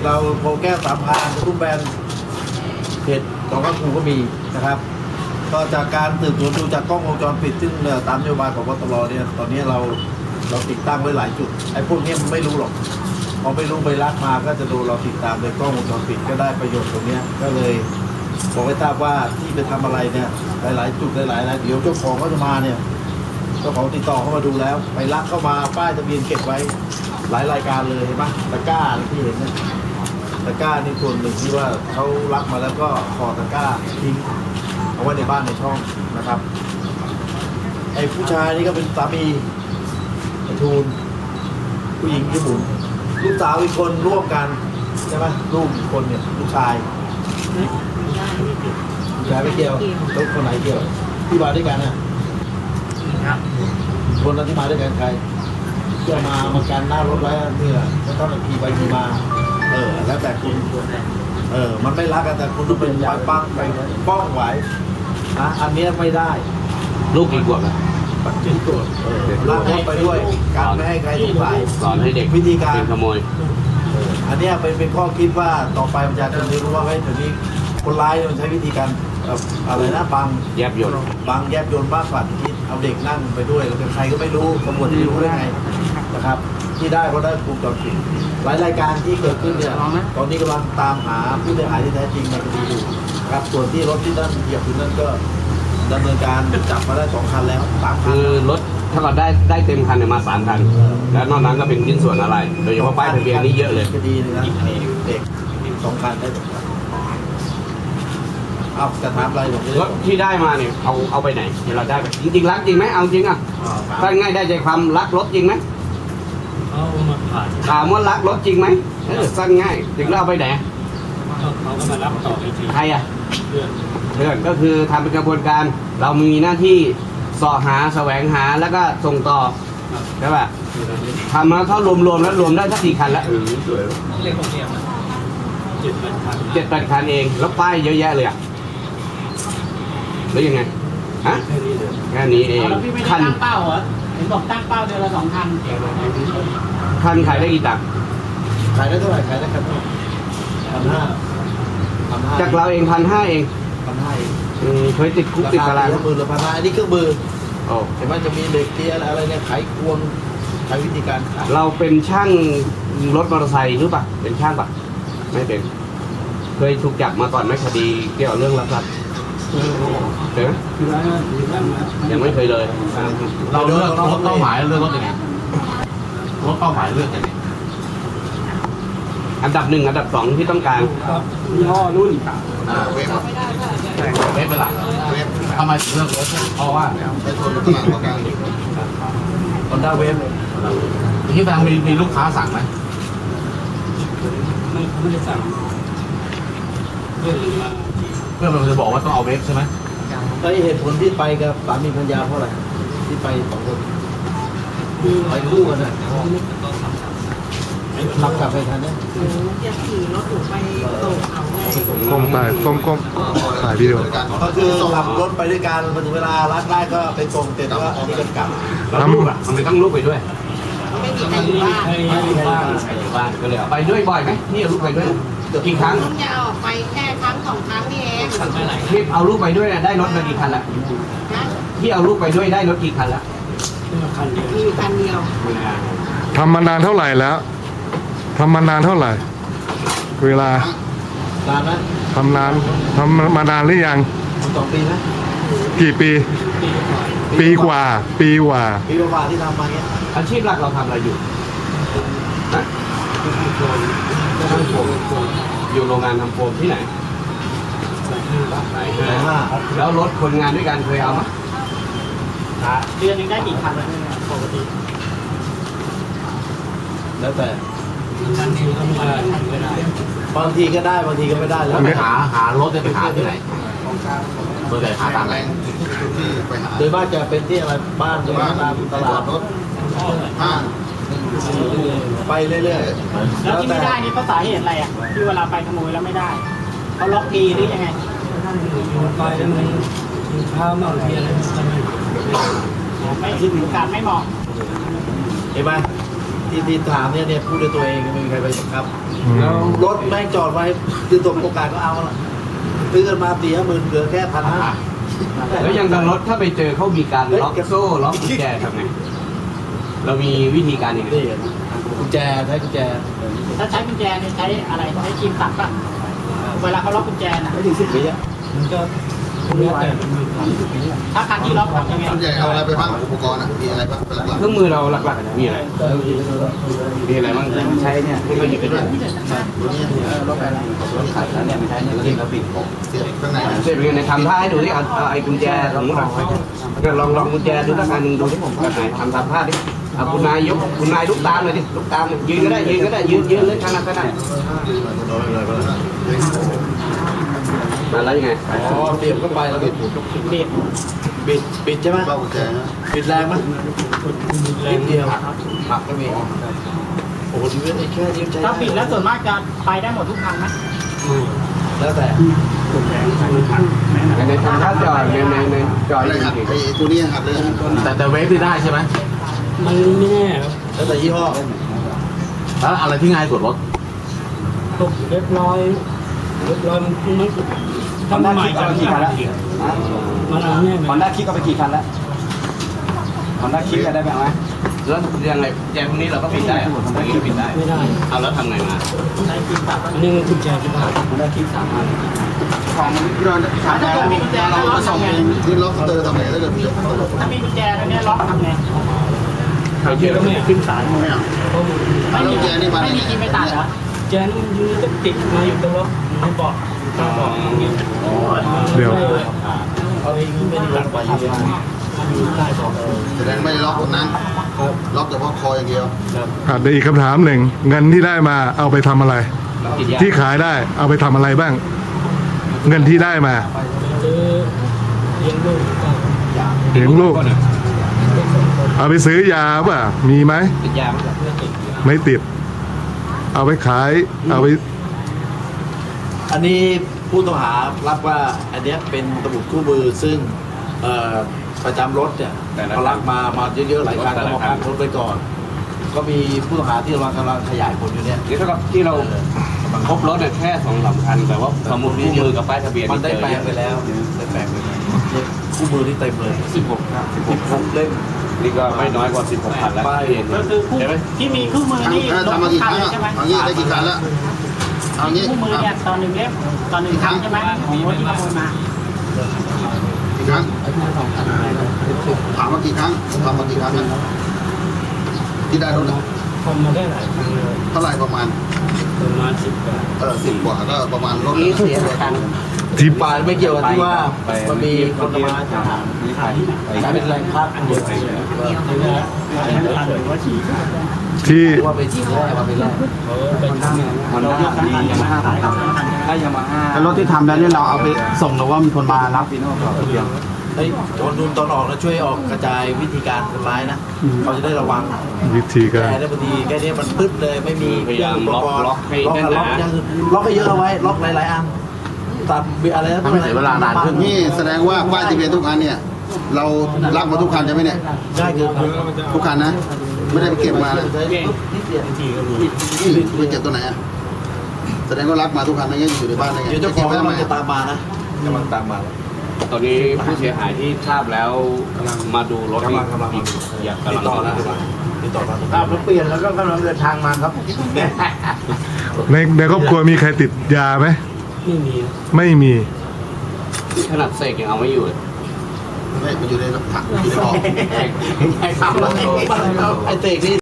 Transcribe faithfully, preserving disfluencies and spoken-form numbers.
เราโพแก้วสามพานทุกแบรนด์เพจของข้าครูก็มีนะครับก็จากการสืบสวนดูจากกล้องวงจรปิดซึ่งตามนโยบายของกตรเนี่ยตอนนี้เราเราติดตั้งไว้หลายจุดไอ้พวกนี้มันไม่รู้หรอกพอไม่รู้ไปลักมาก็จะดูเราติดตามในกล้องวงจรปิดก็ได้ประโยชน์ตรงนี้ก็เลยบอกให้ทราบว่าที่ไปทำอะไรเนี่ยหลายๆจุดหลายๆเดี๋ยวเจ้าของเขาจะมาเนี่ยเจ้าของติดต่อเข้ามาดูแล้วไปลักเข้ามาป้ายทะเบียนเก็บไว้หลายรายการเลยเห็นไหมตะกร้าที่เห็นนะตะกร้านี่ส่วนหนึ่งที่ว่าเขาลักมาแล้วก็ขอตะกร้าทิ้งเอาไว้ในบ้านในช่องนะครับไอ้ผู้ชายนี่ก็เป็นสามีไอ้ทูลผู้หญิงที่บุ๋มลูกสาวอีกคนร่วมกันใช่ไหมลูกอีกคนเนี่ยลูกชายลูกชายไม่เกี่ยวแล้วคนไหนเกี่ยวที่มาด้วยกันน่ะคนนั้นที่มาด้วยกันใครจะมามากันหน้ารถไว้เมื่อแล้วก็ขี่ไปขี่มาเออแล้วแต่คุณเออมันไม่รักกันแต่คุณต้องเป็นไปปั้งไปป้องไว้นะอันนี้ไม่ได้ลูกกี่ขวบแล้วปัจจุบันเออลากรถไปด้วยการไม่ให้ใครสงสัยสอนให้เด็กวิธีการขโมยอันนี้เป็นเป็นข้อคิดว่าต่อไปมันจะจะรู้ว่าเฮ้ยเดี๋ยวนี้คนร้ายมันใช้วิธีการอะไรนะบังแยบยนต์บังแยบยนต์มากกว่าที่คิดเอาเด็กนั่งไปด้วยแล้วเป็นใครก็ไม่รู้ตำรวจจะรู้ได้ไงนะครับที่ได้เพราะได้วงจรปิดหลายรายการที่เกิดขึ้นเนี่ยตอนนี้กำลังตามหาผู้เสียหายที่แท้จริงในคดีอยู่ครับส่วนที่รถที่นั่นเหยียบอยู่นั่นก็ดำเนินการจับมาได้สองคันแล้วสามคันคือรถถ้าเราได้ได้เต็มคันเนี่ยมาสามคันแล้วนอกนั้นก็เป็นชิ้นส่วนอะไรโดยเฉพาะป้ายทะเบียนนี่เยอะเลยคดีเลยนะเด็กสองคันได้สองคันเอาจะถามอะไรผมรถที่ได้มาเนี่ยเอาเอาไปไหนเราได้จริงๆรักจริงไหมเอาจริงอ่ะถ้าง่ายได้ใจความรักรถจริงไหมเอามาผ่านถามว่ารักรถจริงไหมเออสั้นง่ายถึงแล้วเอาไปไหนเขาก็มารับต่ออีกทีใครอ่ะเพื่อนเพื่อนก็คือทำเป็นกระบวนการเรามีหน้าที่สอหาแสวงหาแล้วก็ส่งต่อใช่ป่ะทำแล้วเขารวมๆแล้วรวมได้สักกี่คันแล้วเรียกของเนี่ยเจ็ดแปดคันเจ็ดแปดคันเองแล้วป้ายเยอะแยะเลยอ่ะแล้วยังไงฮะแค่นี้เองแล้วพี่ไม่ได้ตั้งเป้าเหรอเห็นบอกตั้งเป้าเดือนละสองคันคันขายได้กี่ตังค์ขายได้เท่าไหร่ขายได้กันพันห้าจากเราเองพันห้าเองพันห้าเองเคยติดคุกติดตารางมือหรือพันห้าอันนี้เครื่องมือเห็นไหมจะมีเหล็กเกียร์อะไรเนี่ยไขควงใช้วิธีการขายเราเป็นช่างรถมอเตอร์ไซค์หรือเปล่าเป็นช่างปะไม่เป็นเคยถูกจับมาก่อนไหมคดีเกี่ยวกับเรื่องลักทรัพย์เห็นไหมยังไม่เคยเลยเราเลือกรถเป้าหมายเลือกรถยังไงรถเป้าหมายเลือกยังไงอันดับหนึ่งอันดับสองที่ต้องการยี่ห้อรุ่นเวฟเวฟเป็นหลักทำไมถึงเลือกรถเพราะว่าในส่วนของตลาดกลางคอนด้าเวฟที่ทางมีมีลูกค้าสั่งไหมไม่ไม่ได้สั่งเพื่อนมาเพื่อนมันจะบอกว่าต้องเอาเวฟใช่ไหมไอเหตุผลที่ไปกับสามีภรรยาเพราะอะไรที่ไปสองคนไปคู่กันนะขับกลับไปทันเนี่ยจะขี่รถถูกไปตกเขาไงก้มไปก้มก้มถ่ายวิดีโอก็คือขับรถไปด้วยกันพอถึงเวลารัดได้ก็ไปตรงเสร็จแล้วอันนี้ก็กลับแล้วลูกอ่ะมันต้องลูกไปด้วยไม่มีใครอยู่บ้านไม่มีใครอยู่บ้านก็เลยไปด้วยบ่อยไหมนี่เอาลูกไปด้วยกี่ครั้งจะเอาออกไปแค่ครั้งสองครั้งนี่เองที่เอาลูกไปด้วยได้รถมากี่คันละที่เอาลูกไปด้วยได้รถกี่คันละคันเดียวมีคันเดียวทำมานานเท่าไหร่แล้วทำมานานเท่าไหร่เวลานานไหมทำนานทำมานานหรือยังสองปีไหมกี่ปีปีกว่าปีกว่าปีกว่าที่ทำมาเนี้ยอาชีพหลักเราทำอะไรอยู่นะทำโฟมอยู่โรงงานทำโฟมที่ไหนแล้วรถคนงานด้วยกันเคยเอาไหมเดือนนึงได้กี่คันปกติแล้วแต่บางทีก็ไม่ได้บางทีก็ได้บางทีก็ไม่ได้แล้วไปหาหารถจะไปหาที่ไหนโดยแต่หาตามไหนโดยมากจะเป็นที่อะไรบ้านหรือว่าตามตลาดรถห้างไปเรื่อยๆแล้วที่ไม่ได้นี่เพราะสาเหตุอะไรอ่ะที่เวลาไปขโมยแล้วไม่ได้เขาล็อกดีหรือยังไงไปแล้วมันเช้ามาเที่ยงไม่ถึงการไม่เหมาะเห็นไหมที่ที่ถามเนี่ยเนี่ยพูดด้วยตัวเองไม่มีใครไปบังคับอืมแล้วรถแม่งจอดไว้คือตกโอกาสก็เอาละซื้อกันมาสี่ห้าหมื่นเหลือแค่พันห้าแล้วอย่างกับรถถ้าไปเจอเขามีการล็อกโซ่ล็อกกุญแจทำไงเรามีวิธีการยังไงนี่กุญแจใช้กุญแจถ้าใช้กุญแจเนี่ยใช้อะไรใช้ครีมตัดป่ะเวลาเขาล็อกกุญแจน่ะไม่ถึงสิบวิอ่ะมันก็แล้วแต่ถ้าคันที่ล็อกทำยังไงส่วนใหญ่เอาอะไรไปบ้างอุปกรณ์อ่ะมีอะไรบ้างเป็นหลักเครื่องมือเราหลักๆมีอะไรมีอะไรบ้างใช้เนี่ยที่เราหยิบไปด้วยรถอะไรรถขายแล้วเนี่ยไม่ใช่เนี่ยเราเรียกเราปิดๆเสียบข้างในนะเสร็จเป็นไงทำท่าให้ดูดิเอาเอาไอ้กุญแจสมมติเราลองลองกุญแจดูสักอันหนึ่งดูที่ผมไหนทำทำท่าดิเอาคุณนายยกคุณนายลุกตามเลยดิลุกตามเลยยืนก็ได้ยืนก็ได้ยืนยืนเลยขนาดก็ได้มาแล้วยังไงอ๋อเสียบเข้าไปแล้วบิดเด็กบิดบิดใช่ไหมเบ้ากุญแจนะบิดแรงไหมนิดเดียวหักก็มีโอ้โหชีวิตไอ้แค่นี้ใช้ถ้าปิดแล้วส่วนมากจะไปได้หมดทุกคันไหมแล้วแต่ในทำท่าจอดในในในจอดอะไรจหัดริงไอ้ตัวนี้หัดเลยแต่แต่เวฟที่ได้ใช่ไหมมันไม่แน่ครับแล้วแต่ยี่ห้อแล้วอะไรที่ง่ายสุดรถตกเรียบร้อยเรียบร้อยมันมันทำใหม่กันกี่คันแล้วมันเอาแน่ฮอนด้าคิกก็ไปกี่คันแล้วฮอนด้าคิกได้ไหมไหมแล้วยังไงแจพวกนี้เราก็ปิดได้อะทำไมปิดได้ไม่ได้เอาแล้วทำไงมาใช้ครีมตัดอันนี้มันกุญแจที่บ้านมันได้ครีมตัดมาของที่เราถ้าเกิดมีกุญแจแล้วล็อกทำไงที่ล็อกเตอร์ทำไงถ้าเกิดมีถ้ามีกุญแจตรงนี้ล็อกทำไงเขาเชื่อไม่ขึ้นศาลไม่เอาไม่แล้วมีกุญแจนี่มาไม่มีครีมไปตัดเหรอแจนมันยืนต้องติดมาอยู่ตรงล็อกไม่บอกไม่บอกอย่างเงี้ยเดี๋ยวเอาเองไม่ได้ตัดไปเยอะมันอยู่ใต้เบอกแสดงไม่ได้ล็อกตรงนั้นล็อกแต่ว่าคออย่างเดียวอ่ะเดี๋ยวอีกคำถามหนึ่งเงินที่ได้มาเอาไปทำอะไรติดยาที่ขายได้เอาไปทำอะไรบ้าง เงินที่ได้มาซื้อเลี้ยงลูกก็เลี้ยงลูก เอาไปซื้อยาป่ะมีไหมติดยาไหมไม่ติด เอาไปขาย เอาไปอันนี้ผู้ต้องหารับว่าอันเนี้ยเป็นสมุดคู่มือซึ่งเอ่อประจำรถเนี่ยเขารับมามาเยอะๆหลายครั้งก็มาพักรถไปก่อน ก็มีผู้ต้องหาที่เรากำลังขยายผลอยู่เนี่ยนี่เท่ากับที่เราพบรถเนี่ยแค่สองสามคันแต่ว่าสมุดคู่มือกับป้ายทะเบียนมันนี่ได้เจอแปลเยงอะไปแล้วได้แปลงไปแล้วเนี่ยคู่มือที่เต็มเลยสิบหกครับสิบหกเล่มนี่ก็ไม่น้อยกว่าสิบหกคันแล้วป้ายก็คือคู่ใช่ไหมที่มีคู่มือครั้งนี่ถ้าลงทำมาทุกี่กคคันรั้งเลยอ่ะใช่ไหมเอางี้ได้กี่ครั้งแล้วเอางี้คู่มือเนี่ยตอนหนึ่งเล่มตอนหนึ่งครั้งใช่ไหมของรถที่ขโมยมากี่ครั้งถามว่ากี่ครั้งทำมากี่ครั้งนะที่ได้รถอ่ะทำมาได้หลายครั้งเลยเท่าไหร่ประมาณประมาณสิบกว่าเออสิบกว่าก็ประมาณรถนี่เสียคันที่ปลายไม่เกี่ยวกับที่ว่ามันมีคนมาถามกลายเป็นแรงพักอันเดียวกันเลยถึงจะทันหรือว่าฉี่ที่ว่าไปที่แรกมาเป็นแรกเขาไปทำมันได้ยามาฮ่าถ้ายามาฮ่าแล้วรถที่ทำแล้วเนี่ยเราเอาไปส่งหรือว่ามีคนมารับเฮ้ยโจรดุนตอนออกนะช่วยออกกระจายวิธีการคนร้ายนะเขาจะได้ระวังวิธีแกการได้บางทีแค่นี้มันปึ๊บเลยไม่มีพยายามล็อกล็อกให้ล็อกแน่นล็อกหนายังล็อกให้เยอะเอาไว้ล็อกหลายๆอันตัดอะไรนะทำให้เสียเวลานานขึ้นนี่แสดงว่าป้ายทะเบียนทุกคันเนี่ย เรารับมาทุกคันใช่ไหมเนี่ยง่ายเกินไปทุกคันนะ ไม่ได้ไปเก็บมานะนิดเดียวนี่ไปเก็บตัวไหนอ่ะแสดงว่ารับมาทุกคันไม่งั้นอยู่ในบ้านได้ไงเดี๋ยวเจ้าขเก็อบ งไว้ทำไมกำลังจะตามมานะกำลังตามมาตอนนี้ผู้เสียหายที่ทราบแล้วมาดูรถกำลังกำลังอยากติดกำลังต่อแล้วติดต่อมาครับรถเปลี่ยนแล้วก็กำลังเดินทางมาครับในในครอบครัวมีใครติดยาไหมไม่มีไม่มีขนาดเสกยังเอาไม่อยู่เลยไม่มันอยู่ในถังอยู่ในกล่องไอ้เตกนี่